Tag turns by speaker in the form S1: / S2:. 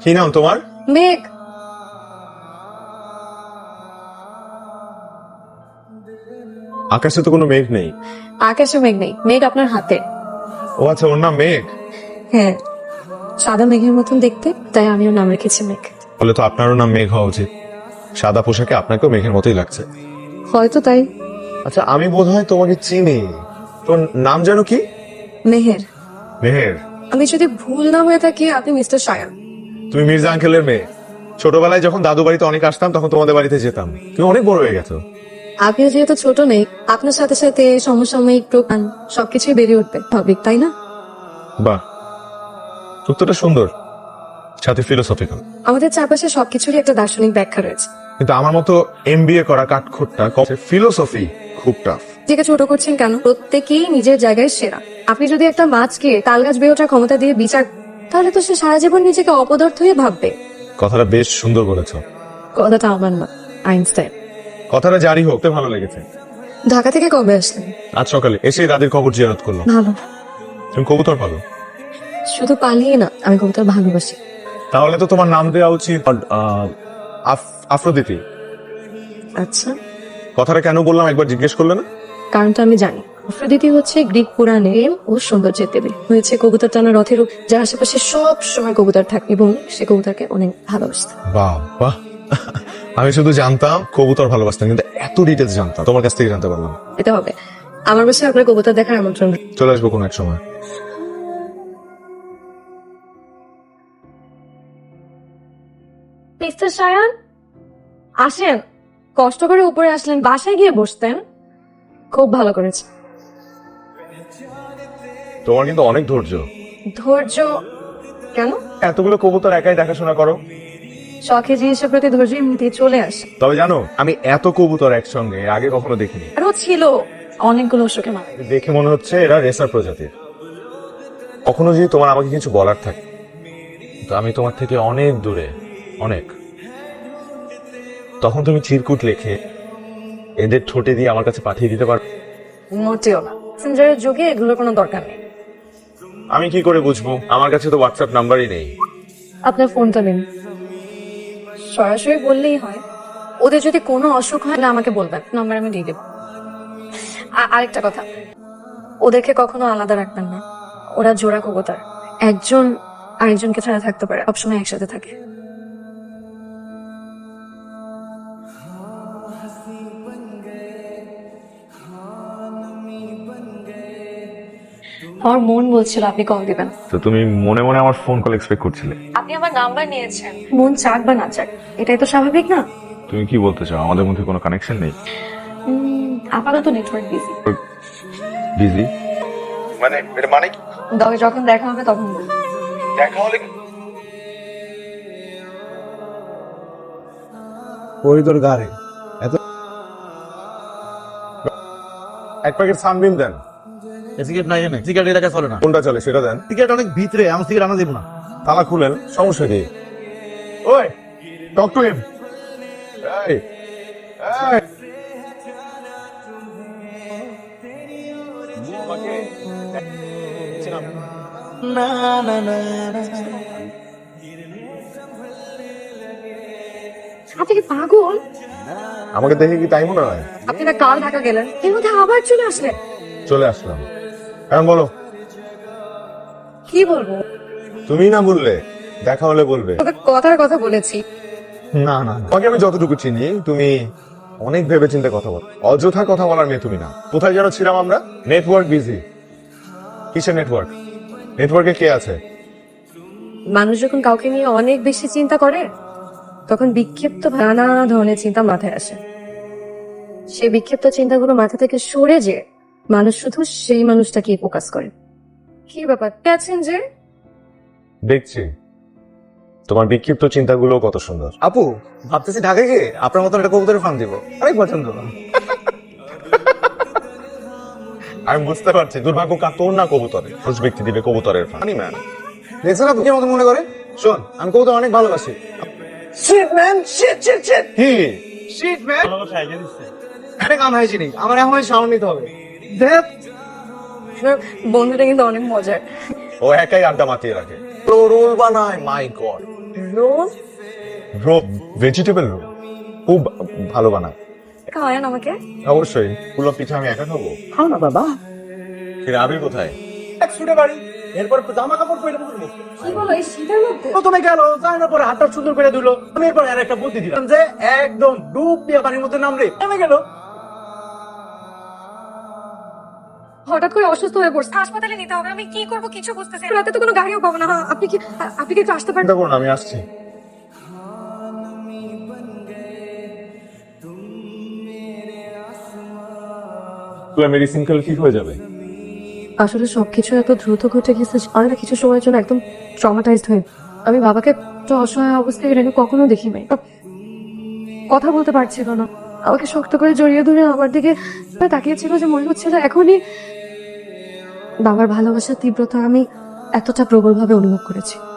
S1: কি নাম তোমার?
S2: মেঘ।
S1: আকাশে তো কোনো মেঘ নেই।
S2: আকাশে মেঘ নেই, মেঘ আপনার হাতে।
S1: ও আচ্ছা, ওর নাম মেঘ।
S2: হ্যাঁ, সাদা মেঘের মতন দেখতে, তাই আমিও নাম রেখেছি মেঘ।
S1: বলে তো আপনারও নাম মেঘ হওয়া উচিত। সাদা পোশাকে আপনাকেও মেঘের মতোই লাগছে।
S2: হয়তো তাই।
S1: আচ্ছা, আমি বোধহয় তোমাকে চিনি। তোর নাম যেন কি?
S2: মেহের।
S1: মেহের।
S2: আমি যদি ভুল না হয়ে থাকি, আপনি মিস্টার সায়ান।
S1: তুমি মির্জা আঙ্কেলের মেয়ে। ছোটবেলায় যখন দাদু বাড়িতে অনেক আসতাম তখন তোমাদের বাড়িতে যেতাম। তুমি অনেক বড় হয়ে গেছো।
S2: আপনিও যেহেতু ছোট নেই, আপনার সাথে সাথে সমসাময়িক প্রকান সবকিছুই বেড়ে উঠবে, স্বাভাবিক তাই না?
S1: বাহ, উত্তরটা সুন্দর, সাথে ফিলোসফিক্যাল।
S2: আমাদের চারপাশে সবকিছুরই একটা দার্শনিক ব্যাখ্যা রয়েছে।
S1: কিন্তু আমার মতো এমবিএ করা কাঠখোট্টা ফিলোসফি খুব টাফ।
S2: নিজেকে ছোট করছেন কেন? প্রত্যেকেই নিজের জায়গায় সেরা। আপনি যদি একটা মাছকে তালগাছ বেয়ে ওঠার ক্ষমতা দিয়ে বিচার, তাহলে তো সে সারা জীবন নিজেকে অপদার্থ হয়ে ভাববে।
S1: কথাটা বেশ সুন্দর বলেছো।
S2: কথাটা আমার না, আইনস্টাইন।
S1: কথাটা জারি হোক, তো ভালো লেগেছে।
S2: ঢাকা থেকে কবে আসলেন?
S1: আজ সকালে এসে দাদির খবর জিয়ারত করলাম।
S2: ভালো।
S1: তুমি কবুতর পালো?
S2: শুধু পালিয়ে না, আমি কবুতর ভালোবাসি।
S1: তাহলে তো তোমার নাম দেওয়া উচিত আফ্রোদিতি।
S2: আচ্ছা,
S1: কথাটা কেন বললাম একবার জিজ্ঞেস করলে না?
S2: কারণটা আমি জানি। আফ্রোদিতি হচ্ছে গ্রিক পুরাণে ও সৌন্দর্যের দেবী। হয়েছে কবুতর টানা রথের রূপ, যার আশেপাশে সব সময় কবুতর থাকে এবং সে কবুতরকে অনেক ভালোবাসত।
S1: বাহ বাহ, আমি শুধু জানতাম কবুতর ভালোবাসতাম, কিন্তু এত ডিটেলস জানতাম তোমার কাছ থেকে জানতে পারলাম।
S2: এটা হবে আমার বাসায় আপনার কবুতর দেখার আমন্ত্রণ।
S1: চলে আসবো কোনো এক সময়।
S2: মিস্টার সায়ান, আসেন। কষ্ট করে উপরে আসলেন, বাসায় গিয়ে বসতেন। খুব ভালো করেছে।
S1: তোমার কিন্তু অনেক ধৈর্য।
S2: ধৈর্য কেন?
S1: এতগুলো কবুতর একাই দেখাশোনা করো।
S2: শখের জিনিসের প্রতি ধৈর্য এমনিতেই চলে আসে।
S1: তবে জানো, আমি এত কবুতর একসঙ্গে আগে কখনো দেখিনি।
S2: আরো ছিল অনেকগুলো অসুখে মারা।
S1: দেখে মনে হচ্ছে এরা রেসার প্রজাতির। কখনো যদি তোমার আমাকে কিছু বলার থাকে, তো আমি তোমার থেকে অনেক দূরে, অনেক, তখন তুমি চিরকুট লেখে এদের ঠোঁটে দিয়ে আমার কাছে পাঠিয়ে দিতে পারো।
S2: মোটেও না, মেসেঞ্জারের যুগে এগুলোর কোনো দরকার নেই।
S1: আমি কি করে বুঝবো? আমার কাছে তো হোয়াটসঅ্যাপ নাম্বারই নেই।
S2: আপনার ফোনটা নিন, সরাসরি বললেই হয়। ওদের যদি কোনো অসুখ হয় না আমাকে বলবেন, নাম্বার আমি দিয়ে দেবো। আরেকটা কথা, ওদেরকে কখনো আলাদা রাখবেন না। ওরা জোড়া কবুতর, একজন আরেকজনকে ছাড়া থাকতে পারে, সবসময় একসাথে থাকে। আমার মন বলছিল আপনি কল দিবেন।
S1: তো তুমি মনে মনে আমার ফোন কল এক্সপেক্ট করছিলে?
S2: আপনি আমার নাম্বার নিয়েছেন, মন চাক বা না চাক, এটাই তো স্বাভাবিক না?
S1: তুমি কি বলতে চাও, আমাদের মধ্যে কোনো কানেকশন নেই?
S2: আপাতত নেটওয়ার্ক বিজি।
S1: বিজি মানে? এটা মানে কি?
S2: তবে যখন দেখা হবে তখন বলবো।
S1: দেখা হলে
S3: ওই তোর গাড়ি এত
S1: এক প্যাকেট সানবিন দেন।
S3: সিগারেট নাই জানে, সিগারেট এলাকা চলে না।
S1: কোনটা চলে সেটা দেন।
S3: সিগারেট অনেক ভিতরে, আমার সিগারেট আনা দিব না।
S1: তালা খুলেন, সমস্যা কি? ওই, টক টু হিম। এই এই, আমাকে চিনাম।
S3: না না না
S2: আপনি কি পাগল?
S1: আমাকে দেখে কি তাই মনে হয়?
S2: আপনি না কাল ঢাকা গেলেন, এর মধ্যে আবার চলে আসলেন।
S1: চলে আসলাম। এখন বলো,
S2: কি বলবো?
S1: তুমি না বললে দেখা হলে বলবে।
S2: তবে কথার কথা বলেছি।
S1: না না, তোমাকে আমি যতটুকু চিনি তুমি অনেক ভেবেচিন্তে কথা বলো। অযথা কথা বলার মেয়ে তুমি না। কোথায় যেন ছিলাম আমরা? Network busy. কিসের নেটওয়ার্ক? নেটওয়ার্কে কে আছে?
S2: মানুষ যখন কাউকে নিয়ে অনেক বেশি চিন্তা করে, তখন বিক্ষিপ্ত নানা ধরনের চিন্তা মাথায় আসে। সেই বিক্ষিপ্ত চিন্তাগুলো মাথা থেকে সরে যে মানুষ শুধু সেই মানুষটাকে ফোকাস করে। কি ব্যাপার আছেন যে?
S1: দেখছি তোমার বিক্ষিপ্ত চিন্তাগুলো কত সুন্দর।
S3: আপু, ভাবতেছি ঢাকায় গিয়ে আপনার মতন একটা কবুতরের ফার্ম দিব, অনেক পছন্দ।
S1: আমি বুঝতে পারছি দুর্ভাগ্য তোর না কবুতরে। খোঁজ ব্যক্তি দিবে কবুতরের ফানি ম্যান।
S3: দেখছেন আপনি কি মতো মনে করে? শোন, আমি কবুতর অনেক ভালোবাসি। Shit man, shit shit shit
S1: কি?
S3: শিট ম্যান, অনেক আনহাইজিনিক। আমার এখন সাউন্ড নিতে হবে। দেখ,
S2: বন্ধুটা কিন্তু অনেক মজার।
S1: ও একাই আড্ডা মাতিয়ে রাখে তো রোল বানায়, মাই গড।
S2: রোজ
S1: রোল, ভেজিটেবল রোল খুব ভালো বানায়।
S2: খাওয়ান আমাকে।
S1: অবশ্যই, পুলো পিঠা আমি একা খাবো?
S3: খাও না বাবা।
S1: ফিরে আবির কোথায়?
S3: এক ছুটে বাড়ি, এরপর জামা কাপড় পরে করবো।
S2: কি বলো এই শীতের মধ্যে?
S3: প্রথমে গেল জানার পরে হাতটা সুন্দর করে দিল, আমি এরপর আর একটা বুদ্ধি দিলাম যে একদম ডুব দিয়ে পানির মধ্যে নামলে নেমে গেল।
S2: হঠাৎ করে অসুস্থ হয়ে পড়ছে, হাসপাতালে নিতে হবে। আমি কি করবো কিছু বুঝতেছি না। রাতে তো কোনো গাড়িও পাবো না। আপনি কি একটু আসতে পারেন?
S1: চিন্তা করো না, আমি আসছি। মেডিসিন খেলে ঠিক হয়ে যাবে।
S2: আসলে সবকিছু এত দ্রুত ঘটে গেছে, আমি না কিছু সময়ের জন্য একদম ট্রমাটাইজড হয়ে। আমি বাবাকে তো অসহায় অবস্থায় আমি কখনো দেখি নাই। কথা বলতে পারছিল না, আমাকে শক্ত করে জড়িয়ে ধরে আমার দিকে তাকিয়েছিল, যে মনে হচ্ছিল এখনই বাবার ভালোবাসার তীব্রতা আমি এতটা প্রবলভাবে অনুভব করেছি।